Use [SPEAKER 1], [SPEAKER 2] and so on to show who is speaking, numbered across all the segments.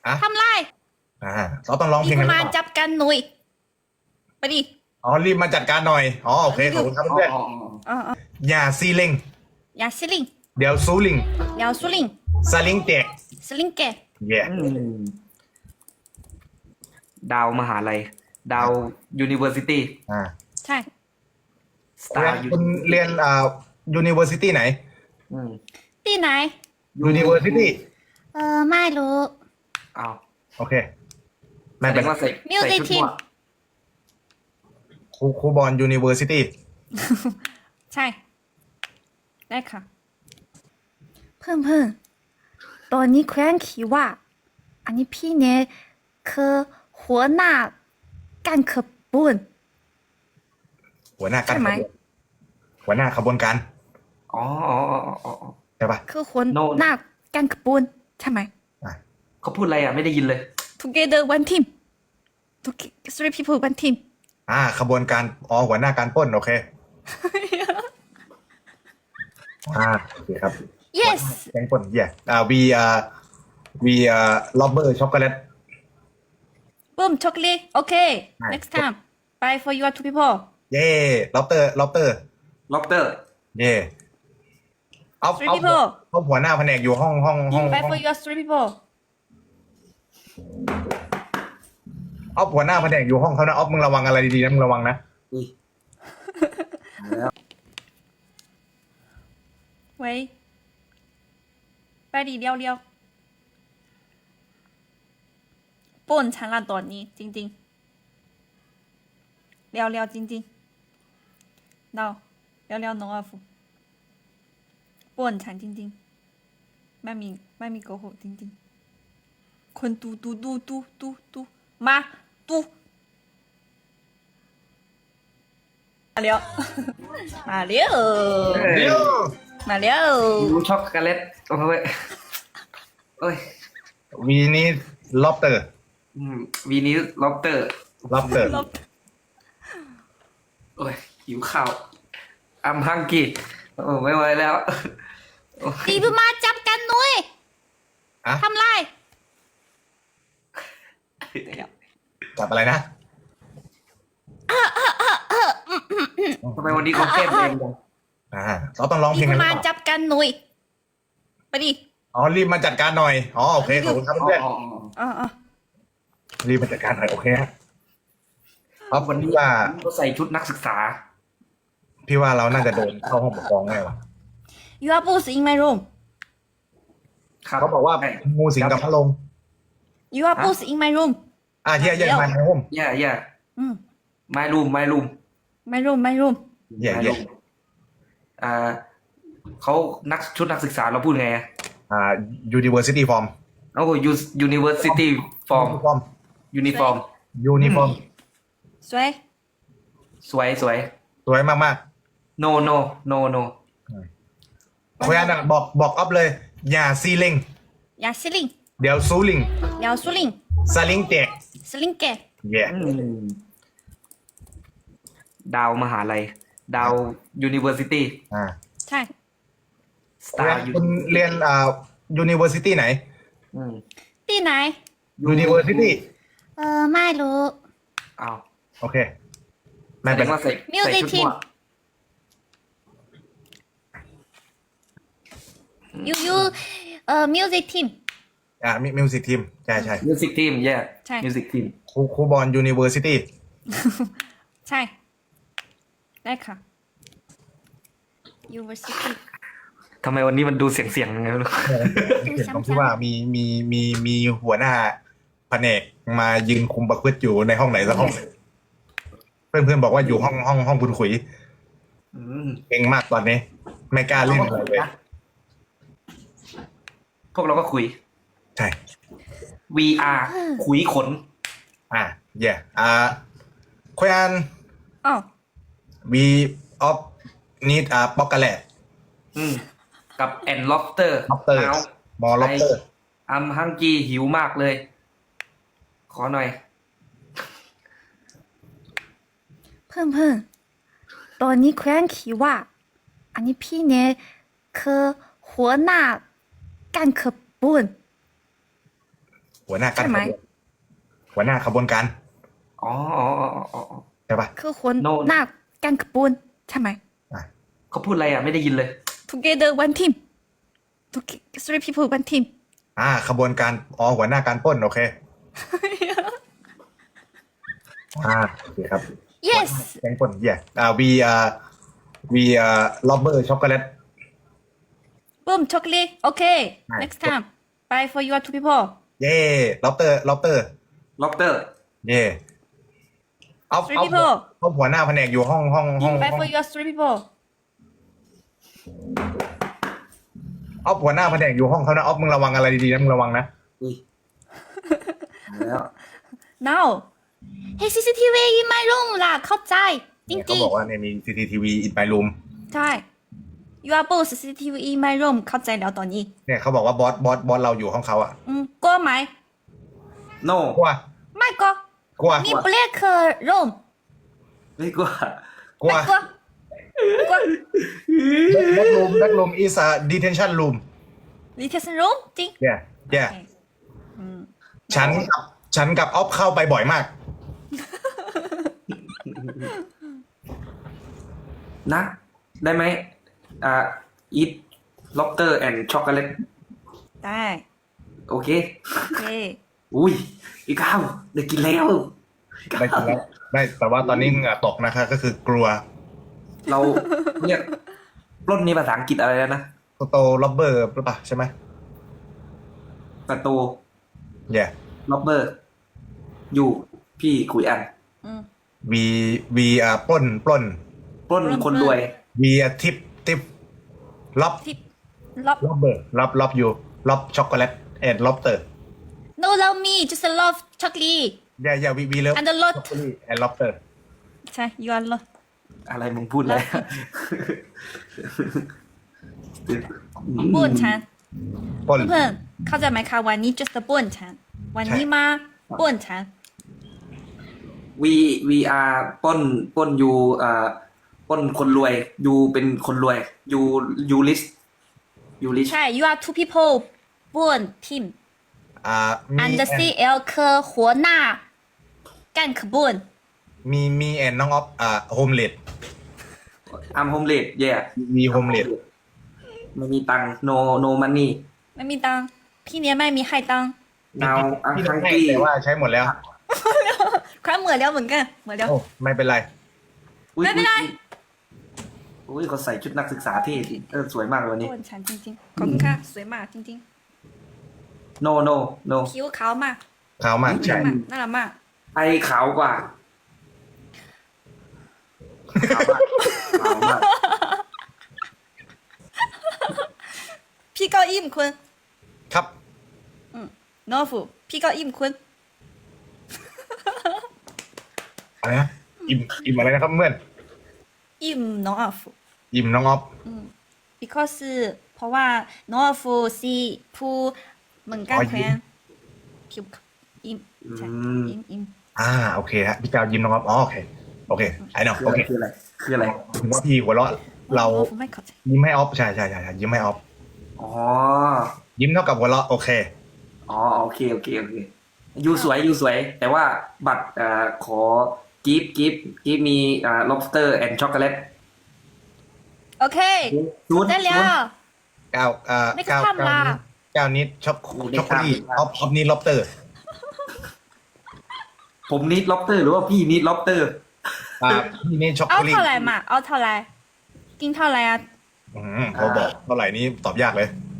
[SPEAKER 1] อ่ะ
[SPEAKER 2] ทำไร
[SPEAKER 1] อ่าเราต้องร้องเพลงกันหรือ
[SPEAKER 2] มา
[SPEAKER 1] เปล่า
[SPEAKER 2] จับกันหน่อยไปดิ
[SPEAKER 1] อ๋อรีบมาจัดการหน่อยอ๋อโอเคขอบคุณครับเพื่อน อย่าซีเล็ง
[SPEAKER 2] อย่าซิลิง
[SPEAKER 1] เดี๋ยวซูลิง
[SPEAKER 2] เดี๋ยวสุลิง
[SPEAKER 1] สลิงแตก
[SPEAKER 2] สลิงแก
[SPEAKER 1] เย่
[SPEAKER 3] ดาวมหาลัย ดาวยูนิเวอร์ซิตี้
[SPEAKER 1] อ่า
[SPEAKER 2] ใช่
[SPEAKER 3] สตาร์
[SPEAKER 1] คุณเรียนuniversity ไหน
[SPEAKER 2] ที่ไหน
[SPEAKER 1] university
[SPEAKER 2] ไม่รู้
[SPEAKER 3] อ้าว
[SPEAKER 1] โอเคไม่
[SPEAKER 3] แสด
[SPEAKER 1] เป็น
[SPEAKER 3] งว่าใส่
[SPEAKER 2] Music
[SPEAKER 3] ใส่ชุด
[SPEAKER 2] team
[SPEAKER 3] มั่ว
[SPEAKER 1] ครูบอล university
[SPEAKER 2] ใช่ ได้ค่ะ เพื่อนตอนนี้แคว้นคิดว่า อันนี้พี่เนี่ยคือหัวหน้าการขบวน
[SPEAKER 1] หัวหน้าการ
[SPEAKER 2] ใช่ไหม
[SPEAKER 1] หัวหน้าขบวนการ
[SPEAKER 3] อ๋ออ๋ออ๋ออ๋อ
[SPEAKER 1] ใช่ปะ
[SPEAKER 2] คือหัวหน้าการขบวนใช่ไหม
[SPEAKER 1] อ่ะ
[SPEAKER 3] เขาพูดอะไรอ่ะ ไม่ได้ยินเลย
[SPEAKER 2] Together one team three people one team
[SPEAKER 1] ขบวนการอ๋อหัวหน้าการปล้นโอเคโอเคครับ
[SPEAKER 2] yes
[SPEAKER 1] แกงปล้นเย่we robber chocolate
[SPEAKER 2] boom chocolate okay next time bye for you two people
[SPEAKER 1] เย่ lobster
[SPEAKER 3] ล็อบเตอร์
[SPEAKER 1] เย่เอา
[SPEAKER 2] three people
[SPEAKER 1] หัวหน้าแผนกอยู่ห้อง
[SPEAKER 2] bye for you three people
[SPEAKER 1] เอาหัวหน้าแผนกอยู่ห้องเขานะเอามึงระวังอะไรดีๆนะมึงระวังนะ
[SPEAKER 2] 喂ไปดิเร็วๆป่นฉันละตอนนี้จริงๆเร็วๆจริงๆเราเร็วๆน้องอาฟูป่นฉันจริงๆไม่มีโกหกจริงๆคนตูมาตูมาเร็วมาเร็ว
[SPEAKER 1] เดี๋ยว
[SPEAKER 2] มาเร็ว
[SPEAKER 3] รู้ช็อกโกแลตโอ้ยโอ้ย
[SPEAKER 1] we need lobster
[SPEAKER 3] วีนี้ล็อบเตอร์
[SPEAKER 1] lobster
[SPEAKER 3] โอ้ยหิวข้าวอัมฮังกี้โอ้ไม่ไหวแล้ว
[SPEAKER 2] ตีบมาจับกันหน่อย
[SPEAKER 1] อ่ะ
[SPEAKER 2] ทำไร
[SPEAKER 1] จับอะไรนะ
[SPEAKER 3] ทำไมวันนี้เขาแก้มเองจัง
[SPEAKER 1] เราต้องร้องเพ
[SPEAKER 2] ตี
[SPEAKER 1] ลงกันหรือ
[SPEAKER 2] มา
[SPEAKER 1] เปล่า
[SPEAKER 2] จับกันหน่อยไปดิ
[SPEAKER 1] อ๋อรีบมาจัดการหน่อยอ๋อโอเคขอบคุณครับเพื่อน
[SPEAKER 2] อ๋อ
[SPEAKER 1] รีบมาจัดการหน่อยโอเคครับ
[SPEAKER 3] วันนี้
[SPEAKER 1] พี่ว่า
[SPEAKER 3] เขาใส่ชุดนักศึกษา
[SPEAKER 1] พี่ว่าเราน่าจะโดนเข้าห้องปกครองแน่ว่ะ
[SPEAKER 2] you are boss in my room
[SPEAKER 3] ครับ
[SPEAKER 1] เขาบอกว่างูสิงกับพระลง
[SPEAKER 2] you are boss in my room
[SPEAKER 1] เย่มาในห้อง
[SPEAKER 3] แย่
[SPEAKER 2] อืม
[SPEAKER 3] my room
[SPEAKER 2] my room
[SPEAKER 1] เย่
[SPEAKER 3] เขาชุดนักศึกษาเราพูดไงอะ
[SPEAKER 1] university form
[SPEAKER 3] โอ้ university form uniform
[SPEAKER 2] สวย
[SPEAKER 3] สวย
[SPEAKER 1] สวยมาก
[SPEAKER 3] no
[SPEAKER 1] ๆคุยนะบอกอัพเลย อย่าซีเล็ง
[SPEAKER 2] อย่าซิลิง
[SPEAKER 1] เดี๋ยวซูลิง
[SPEAKER 2] เดี๋ยวสุลิง
[SPEAKER 1] สลิงแตก
[SPEAKER 2] สลิงแก
[SPEAKER 1] เย่
[SPEAKER 3] ดาวมหาลัย ดาวยูนิเวอร์ซิตี้
[SPEAKER 2] ใช่
[SPEAKER 3] สตาร์
[SPEAKER 1] คุณเรียนuniversity ไหน
[SPEAKER 2] ที่ไหน
[SPEAKER 1] university
[SPEAKER 2] ไม่รู้
[SPEAKER 3] อ้าว
[SPEAKER 1] โอเค ไม่
[SPEAKER 3] แสด
[SPEAKER 1] เป็น
[SPEAKER 3] งว่าใส่
[SPEAKER 2] Music
[SPEAKER 3] ชุดมั่ว
[SPEAKER 2] you music team
[SPEAKER 1] มิวสิกทีมใช่
[SPEAKER 3] มิวสิกทีมแย่
[SPEAKER 2] ใช่
[SPEAKER 3] มิวสิกทีม
[SPEAKER 1] ครูบอล university
[SPEAKER 2] ใช่ ได้ค่ะ university
[SPEAKER 3] ทำไมวันนี้มันดูเสียงยังไงไม่รู้
[SPEAKER 1] เห็นตรงที่ว่ามีหัวหน้าแผนกมายืนคุมประพฤติอยู่ในห้องไหนสักห้องหนึ่งเพื่อนบอกว่าอยู่ห้องคุณขุย เก่งมากตอนนี้ ไม่กล้าเล่นอะไรเลย
[SPEAKER 3] พวกเราก็คุย
[SPEAKER 1] ใช่
[SPEAKER 3] VR ขุยขน
[SPEAKER 1] เย่คุยอัน
[SPEAKER 2] อ๋อ
[SPEAKER 1] we of needป๊อกกะแลต
[SPEAKER 3] กับแอนล็อบเตอร์
[SPEAKER 1] lobster มอ lobster
[SPEAKER 3] อัมฮังกีหิวมากเลย ขอหน่อย
[SPEAKER 2] เพื่อนตอนนี้แคว้นคิดว่า อันนี้พี่เนี่ยคือหัวหน้าการขบวน
[SPEAKER 1] หัวหน้าการ
[SPEAKER 2] ใช่ไหม
[SPEAKER 1] หัวหน้าขบวนการ
[SPEAKER 3] อ๋ออ๋ออ๋ออ๋ออ๋อ
[SPEAKER 1] ใช่ปะ
[SPEAKER 2] คือคน
[SPEAKER 3] No
[SPEAKER 2] หน้ากันขบวนใช่ไหม
[SPEAKER 1] อ่ะ
[SPEAKER 3] เขาพูดอะไรอ่ะไม่ได้ยินเลย
[SPEAKER 2] together one team three people one team
[SPEAKER 1] ขบวนการหัวหน้าการปล้นโอเคโอเคครับ
[SPEAKER 2] yes
[SPEAKER 1] แกงปล้นwe robber chocolate
[SPEAKER 2] boom chocolate okay
[SPEAKER 1] Nice.
[SPEAKER 2] next time bye for your two people
[SPEAKER 1] เย่ lobster
[SPEAKER 3] ล็อบเตอร์
[SPEAKER 1] เย่เอา
[SPEAKER 2] three people
[SPEAKER 1] หัวหน้าแผนกอยู่ห้อง
[SPEAKER 2] bye for your three people
[SPEAKER 1] เอาหัวหน้าแผนกอยู่ห้องเขานะเอามึงระวังอะไรดีๆนะมึงระวังนะ
[SPEAKER 3] อุ้ยแล้ว
[SPEAKER 2] now hey CCTV in my room ล่ะเข้าใจจ
[SPEAKER 1] เนี่ยเขา
[SPEAKER 2] ริง
[SPEAKER 1] บอกว่าเนี่ยมี CCTV in my room
[SPEAKER 2] ๆใช่ you are both CCTV in my room เข้าใจแล้วตอนนี้
[SPEAKER 1] เนี่ยเขาบอกว่าบอสเราอยู่ห้องเขาอะ
[SPEAKER 2] กลัวไหม
[SPEAKER 3] no
[SPEAKER 1] กลัว
[SPEAKER 2] ไม่กลัว
[SPEAKER 1] กลัว
[SPEAKER 2] มี black room
[SPEAKER 3] ไม่กลัว
[SPEAKER 1] กลัว
[SPEAKER 2] ไม่กลัวไม่กลัว
[SPEAKER 1] that room is a detention room
[SPEAKER 2] detention room จริง
[SPEAKER 1] yeah yeah
[SPEAKER 2] โอเคอืม
[SPEAKER 1] ฉันกับออฟเข้าไปบ่อยมาก
[SPEAKER 3] นะ ได้ไหมeat lobster and chocolate
[SPEAKER 2] ได้
[SPEAKER 3] โอเค
[SPEAKER 2] โอเค
[SPEAKER 3] อุ้ยอีกข้าวได้กินแล้วอีก
[SPEAKER 1] ได้
[SPEAKER 3] ข้า
[SPEAKER 1] กิน
[SPEAKER 3] ว
[SPEAKER 1] แล้วได้แต่ว่าตอนนี้เหงื่อตกนะคะก็คือกลัว
[SPEAKER 3] เราเรียกปล้นนี่ภาษาอังกฤษอะไรแล้วนะ
[SPEAKER 1] โตล็อบเบอร์หรือเปล่าใช่ไหม
[SPEAKER 3] ประตู
[SPEAKER 1] yeah
[SPEAKER 3] ล็อบเบอร์อยู่พี่คุยอัน
[SPEAKER 2] อืม
[SPEAKER 1] we ปล้น
[SPEAKER 3] ปล้นคนรวย
[SPEAKER 1] we tip ล็อบ
[SPEAKER 2] ที่ล็อบ
[SPEAKER 1] ล็อบเบอร์ล็อบอยู่ล็อบช็อกโกแลตแอนด์ล็อบเตอร์
[SPEAKER 2] no love me just love chocolate
[SPEAKER 1] yeah we love
[SPEAKER 2] and the lot
[SPEAKER 1] and lobster
[SPEAKER 2] ใช่ you are lot
[SPEAKER 3] อะไรมึงพูดเลย
[SPEAKER 2] ป่วนฉัน
[SPEAKER 1] ปล้น
[SPEAKER 2] เพื่อนๆเข้าใจไหมคะวันนี้ just ป่วนฉันวันนี้มาป่วนฉัน
[SPEAKER 3] we are ปล้นอยู่ปล้นคนรวยอยู่เป็นคนรวยอยู่ลิสอยู่ลิส
[SPEAKER 2] ใช่ you are two people ป่วน team
[SPEAKER 1] มี
[SPEAKER 2] and the CL คือหัวหน้ากันขบวน
[SPEAKER 1] มีแอนน้องออฟโฮมเลด
[SPEAKER 3] I'm homeless yeah
[SPEAKER 1] มีโฮมเลด
[SPEAKER 3] ไม่มีตังค์ no money
[SPEAKER 2] ไม่มีตังค์พี่เนี้ยไม่มีให้ตังค์
[SPEAKER 3] now I'm
[SPEAKER 1] พี่ให้
[SPEAKER 3] hungry
[SPEAKER 1] แต่ว่าใช้หมดแล้ว
[SPEAKER 2] ครั้งเหมือนแล้วเหมือนกันเหมือนแล้ว
[SPEAKER 1] โอ้ไม่เป็นไร
[SPEAKER 3] อุ๊ย
[SPEAKER 2] ไม่เป็นไร
[SPEAKER 3] อุ้ยเขาใส่ชุดนักศึกษาเท่จริงสวยมากเลยวันนี้
[SPEAKER 2] ป่วนฉันจริงๆขอบคุณค่ะสวยมากจริง
[SPEAKER 3] no
[SPEAKER 2] ๆผิวขาวมาก
[SPEAKER 1] ขาวมากใช่
[SPEAKER 2] น่ารักมาก
[SPEAKER 3] ไอขาวกว่าขาวมากขาวมาก
[SPEAKER 2] พี่เก้าอิ่มคุณ
[SPEAKER 1] ครับ
[SPEAKER 2] โนฟูพี่เก้าอิ่มคุณ
[SPEAKER 1] อะไรนะอิ่มอะไรนะครับเพื่อน
[SPEAKER 2] อิ่มน้องอัฟู
[SPEAKER 1] อิ่มน้องออฟ
[SPEAKER 2] because เพราะว่าน้องอัฟูซีผู้เหมือนกันแควนผิวอิ่มใช่อิ่ม
[SPEAKER 1] โอเคฮะพี่เจ้ายิ้มน้องออฟโอเคไอ้น้อง
[SPEAKER 3] คือ
[SPEAKER 1] โอ
[SPEAKER 3] อะไร
[SPEAKER 1] เค
[SPEAKER 3] คืออะไรคืออะไร
[SPEAKER 1] ถึงว่าพี่หัวเราะเรา
[SPEAKER 2] น้องอัฟูไม่เข้าใจ
[SPEAKER 1] ยิ้มให้ออฟใช่ยิ้มให้ออฟ
[SPEAKER 3] อ๋อ
[SPEAKER 1] ยิ้มเท่ากับหัวเราะโอเค
[SPEAKER 3] อ๋อโอเคยูสวย แต่ว่าบัตรขอกิฟมีlobster and chocolate
[SPEAKER 2] โอเค
[SPEAKER 3] ชุด
[SPEAKER 2] ได้แล้ว
[SPEAKER 1] เก้า
[SPEAKER 2] ไม่กระทำล่ะ
[SPEAKER 1] เก้านิดช็อกโกแลตออฟนี่ล็อบเตอร์
[SPEAKER 3] ผมนิด lobster หรือว่าพี่นิด lobster
[SPEAKER 1] พี่นี่ช็อกโก
[SPEAKER 2] เอา
[SPEAKER 1] แลต
[SPEAKER 2] เท่าไหร่มาเอาเท่าไหร่กินเท่าไหร่อ่ะ
[SPEAKER 1] พอบอกเท่าไหร่นี้ตอบยากเลย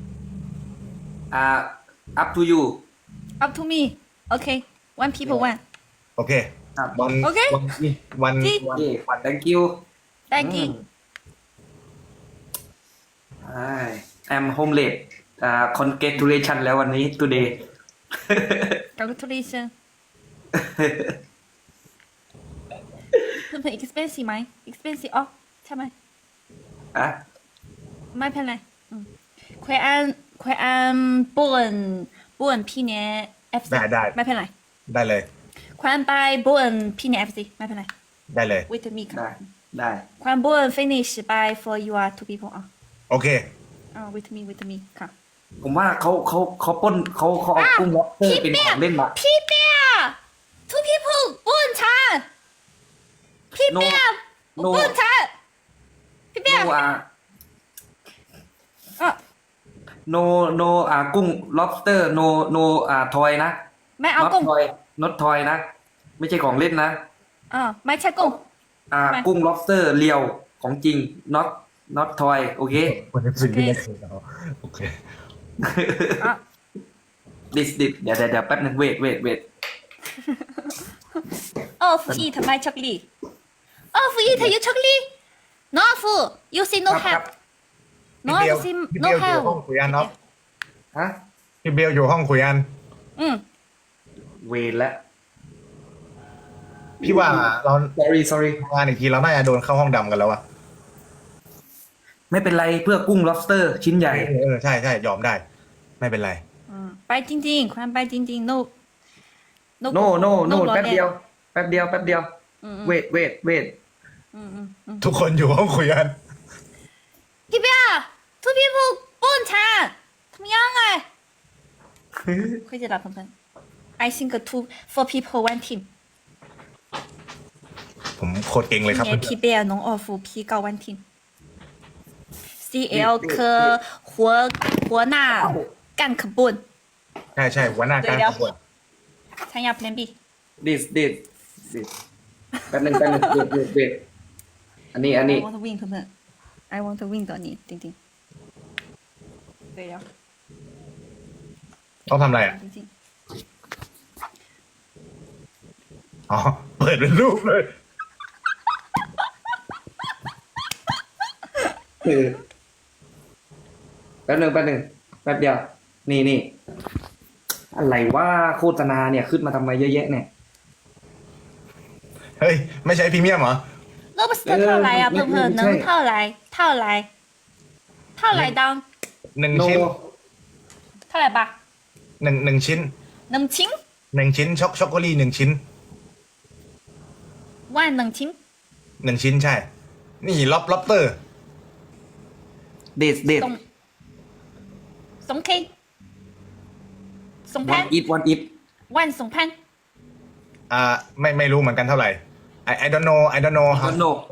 [SPEAKER 3] up to you
[SPEAKER 2] up to me โอเค one people one
[SPEAKER 1] โอเค
[SPEAKER 3] ครับ
[SPEAKER 1] วัน
[SPEAKER 2] โอเค
[SPEAKER 1] วัน
[SPEAKER 2] ที่
[SPEAKER 3] โอเค thank you
[SPEAKER 2] thank you
[SPEAKER 3] I'm homeless congratulation แล้ววันนี้ today
[SPEAKER 2] congratulations เพื่อนๆ expensive ไหม expensive อ๋อใช่ไหม
[SPEAKER 3] อ่ะ
[SPEAKER 2] ไม่เป็นไรแควนป่วนพี่เนี่ย FC
[SPEAKER 1] ได้
[SPEAKER 2] ไม่เป็นไร
[SPEAKER 1] ได้เลย
[SPEAKER 2] แควนไปป่วนพี่เนี่ย FC ไม่เป็นไร
[SPEAKER 1] ได้เลย
[SPEAKER 2] with me ค่ะ
[SPEAKER 3] ได้
[SPEAKER 2] แควนป่วน finish by for you are two people อ่ะ
[SPEAKER 1] โอเค
[SPEAKER 2] with me ค่ะ
[SPEAKER 3] ผมว่าเขาปล้นเขาเอากุ้งล็อบสเตอร์เป็นของเล่นมา
[SPEAKER 2] พี่เปีย two people ป่วนฉันพี่เปีย
[SPEAKER 3] No
[SPEAKER 2] ป่วนฉันพี่เปีย
[SPEAKER 3] no
[SPEAKER 2] อ่ะ
[SPEAKER 3] no กุ้ง lobster no ทอยนะ
[SPEAKER 2] ไม่เอา
[SPEAKER 3] not
[SPEAKER 2] กุ้ง
[SPEAKER 3] toy not toy นะ ไม่ใช่ของเล่นนะ
[SPEAKER 2] ไม่ใช่กุ้ง ไม่
[SPEAKER 3] กุ้ง lobster เรียวของจริง not toy โอเค
[SPEAKER 1] คนนี้สิ่งที่ไม่เคยเอาโอเค
[SPEAKER 2] อ่ะ
[SPEAKER 3] this เดี๋ยวแป๊บนึง wait
[SPEAKER 2] off eat my chocolate off eat your chocolate no off you say no
[SPEAKER 3] ครับ
[SPEAKER 2] help no
[SPEAKER 1] พี่เบล
[SPEAKER 2] say
[SPEAKER 1] พี่
[SPEAKER 2] no
[SPEAKER 1] เบลอยู่
[SPEAKER 2] help
[SPEAKER 1] ห้องคุยอันเนาะ
[SPEAKER 3] ฮะ
[SPEAKER 1] พี่เบลอยู่ห้องคุยอัน
[SPEAKER 2] อืม
[SPEAKER 3] เวรแล้ว
[SPEAKER 1] พี่ว่าเรา
[SPEAKER 3] sorry
[SPEAKER 1] ทำงานอีกทีเราน่าจะโดนเข้าห้องดำกันแล้วอะ
[SPEAKER 3] ไม่เป็นไรเพื่อกุ้ง lobster ชิ้นใหญ่
[SPEAKER 1] ใช่ยอมได้ ไม่เป็นไร
[SPEAKER 2] ไปจริงๆความไปจริงๆ no
[SPEAKER 3] no
[SPEAKER 2] รอ
[SPEAKER 3] แป๊บเดียว
[SPEAKER 2] อืม
[SPEAKER 3] wait
[SPEAKER 2] อืม
[SPEAKER 1] ทุกคนอยู่ห้องคุยอัน
[SPEAKER 2] พี่เปีย two people ป่วนฉันทำยังไง会知道朋友 I think two four people one team
[SPEAKER 1] ผมโคตรเก่งเลยครับ
[SPEAKER 2] 今年 PBL 农二夫 P 高 one team CL 科活纳干可笨
[SPEAKER 1] ใช่หัวหน้าการขบวน
[SPEAKER 2] 参加 Plan B
[SPEAKER 3] this แป๊บนึง wait อันนี้
[SPEAKER 2] I want to win 朋友 I want to win 的你丁丁对呀
[SPEAKER 1] ต้องทำอะไรอ่ะ
[SPEAKER 2] 丁丁
[SPEAKER 1] อ๋อ เปิดเป็นรูปเลย
[SPEAKER 3] แป๊บนึงแป๊บเดียว นี่ อะไรว่าโฆษณาเนี่ยขึ้นมาทำไมเยอะแยะเนี่ย
[SPEAKER 1] เฮ้ย ไม่ใช่พรีเมียมเหรอ
[SPEAKER 2] lobster 套来呀朋友能套来当
[SPEAKER 1] หนึ่ง
[SPEAKER 3] no
[SPEAKER 1] ชิ้น
[SPEAKER 2] 套来吧
[SPEAKER 1] หนึ่งชิ้น
[SPEAKER 2] 能清
[SPEAKER 1] หนึ่งชิ้นช็อกโกแลตหนึ่งชิ้น
[SPEAKER 2] 万能清
[SPEAKER 1] หนึ่งชิ้นใช่ นี่ล็อบเตอร์
[SPEAKER 3] this
[SPEAKER 2] 松 K 松
[SPEAKER 3] one
[SPEAKER 2] 潘
[SPEAKER 3] eat
[SPEAKER 2] 万松潘
[SPEAKER 1] ไม่รู้เหมือนกันเท่าไหร่ I don't know
[SPEAKER 3] I don't know
[SPEAKER 1] I don't know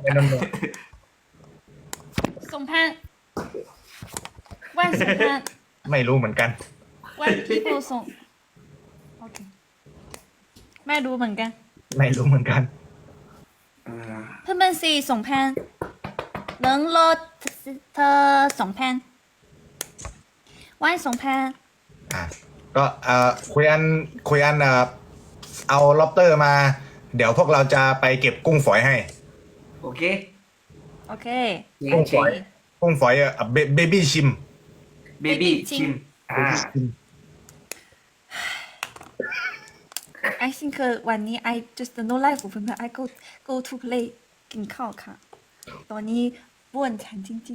[SPEAKER 2] 松潘万松潘
[SPEAKER 1] ไม่รู้เหมือนกัน
[SPEAKER 2] one people 松 OK ไม่รู้เหมือนกัน
[SPEAKER 1] ไม่รู้เหมือนกัน
[SPEAKER 2] เพื่อนสี่สองพัน能ลดเธอสองพันวันสองพัน
[SPEAKER 1] ก็คุยอันเอาล็อบเตอร์มา เดี๋ยวพวกเราจะไปเก็บกุ้งฝอยให้
[SPEAKER 3] โอเค
[SPEAKER 2] โอเค
[SPEAKER 1] กุ้งฝอยเบบี้ชิม
[SPEAKER 3] baby ชิม
[SPEAKER 2] I think วันนี้ I just no life เพื่อนๆ I go to play กินข้าวค่ะ ตอนนี้บ้วนฉันจริง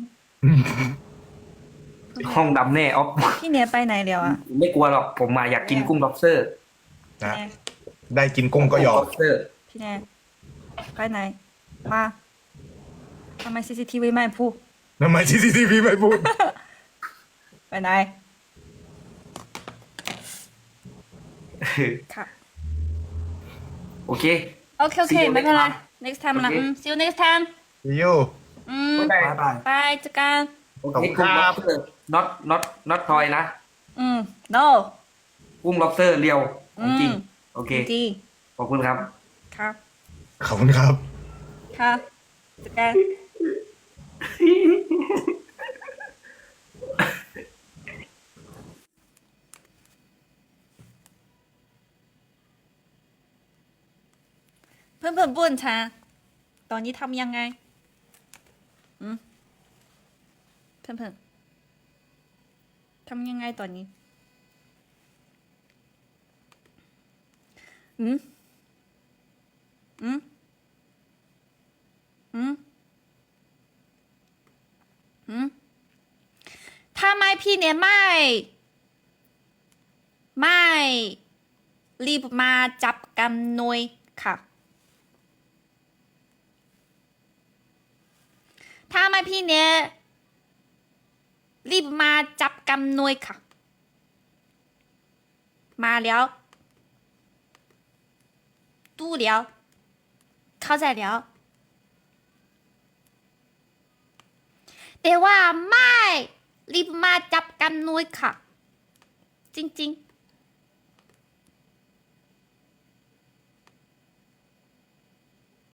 [SPEAKER 3] ห้องดำแน่ออฟ
[SPEAKER 2] ๆ พี่เนียไปไหนแล้วอ่ะ
[SPEAKER 3] ไม่กลัวหรอก ผมมาอยากกินกุ้ง lobster
[SPEAKER 1] นะได้กินกุ้งก็ยอม
[SPEAKER 3] lobster
[SPEAKER 2] พี่เนียไปไหน มาทำไม CCTV ไม่พูด
[SPEAKER 1] ทำไม CCTV ไม่พูด
[SPEAKER 2] ไปไหน ค่ะ
[SPEAKER 3] โอเค
[SPEAKER 2] โอเค
[SPEAKER 3] See you
[SPEAKER 2] ไม่เป็นไร
[SPEAKER 3] next
[SPEAKER 2] next
[SPEAKER 3] time
[SPEAKER 2] time ละ
[SPEAKER 3] Okay.
[SPEAKER 2] see you next time
[SPEAKER 1] See you
[SPEAKER 3] บายบาย
[SPEAKER 2] บายเจอกัน
[SPEAKER 3] โอเคกุ้ง lobster not toy นะ
[SPEAKER 2] no
[SPEAKER 3] กุ้ง lobster เรียวของจริง โอเค
[SPEAKER 2] ดี
[SPEAKER 3] ขอบคุณครับ
[SPEAKER 2] ครับ
[SPEAKER 1] ขอบคุณครับ
[SPEAKER 2] ครับเจอกันเพื่อนๆบ้วนชาตอนนี้ทำยังไงเพื่อนๆทำยังไงตอนนี้ถ้าไม่พี่เนี่ยไม่รีบมาจับกันหน่อยค่ะถ้าไม่พี่เนี่ยรีบมาจับกันหน่อยค่ะมาแล้วตู้แล้วเข้าใจแล้วแต่ว่าไม่รีบมาจับกันหน่อยค่ะ จริงๆ